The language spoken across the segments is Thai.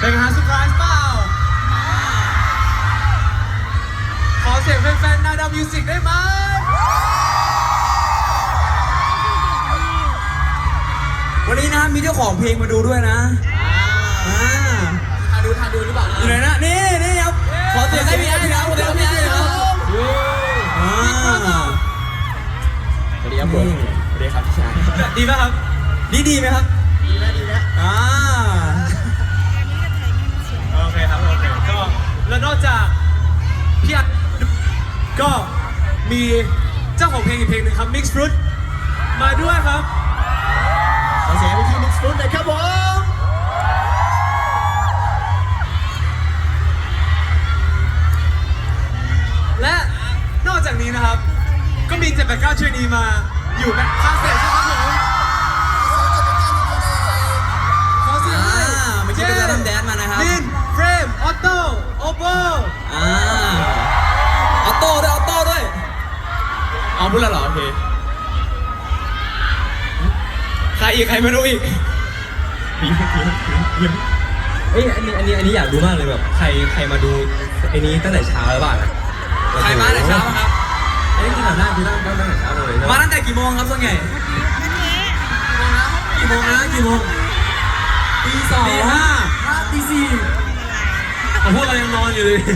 เป็นไงฮะเซอร์ไพรส์เปล่าขอเสียงแฟนๆนาดาวมิวสิกได้ไหมวันนี้นะมีเจ้าของเพลงมาดูด้วยนะทานดูหรือเปล่าอยู่ไหนนะนี่ครับขอเสียงให้พี่ไอ้ครับขอเสียงให้พี่ไอ้ครับสวัสดีครับผมสวัสดีครับพี่ชายดีไหมครับดีไหมครับดีไหมโอเคครับโอเคก็แล้วนอกจากพี่อัดก็มีเจ้าของเพลงอีกเพลงหนึ่งครับ Mix Fruit มาด้วยครับขอเสียงไปที่ Mix Fruit หน่อยครับผมและนอกจากนี้นะครับก็มี789ชื่อนี้มาอยู่ในคาเฟ่ใช่ไหมครับผมขอเสียงให้เมื่อกี้เป็นการแดนมานะครับลินเฟรมออโต้โอโบออโต้ด้วยเอาพูดแล้วเหรอโอเคใครไม่รู้อีกเอ้ยอันนี้อยากรู้มากเลยแบบใครมาดูไอ้นี้ตั้งแต่เช้าแล้วบ้างใครมาตั้งแต่เช้าครับไอ้นี่ขนาดหน้าคือตั้งแต่เช้าเลยมาตั้งแต่กี่โมงครับส่วนใหญ่กี่โมงตี 2 ตี 5 ตี 4 พวกเรายังนอนอยู่เลย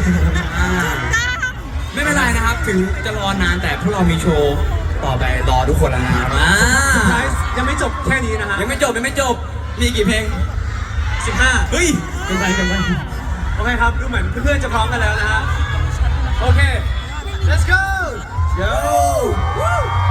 ไม่เป็นไรนะครับถึงจะรอนานแต่พวกเรามีโชว์ต่อไปรอทุกคนแล้วนะครับยังไม่จบแค่นี้นะฮะยังไม่จบมีกี่เพลง 15 เฮ้ยเป็นไปโอเคครับดูเหมือนเพื่อนๆจะพร้อมกันแล้วนะฮะโอเค let's go go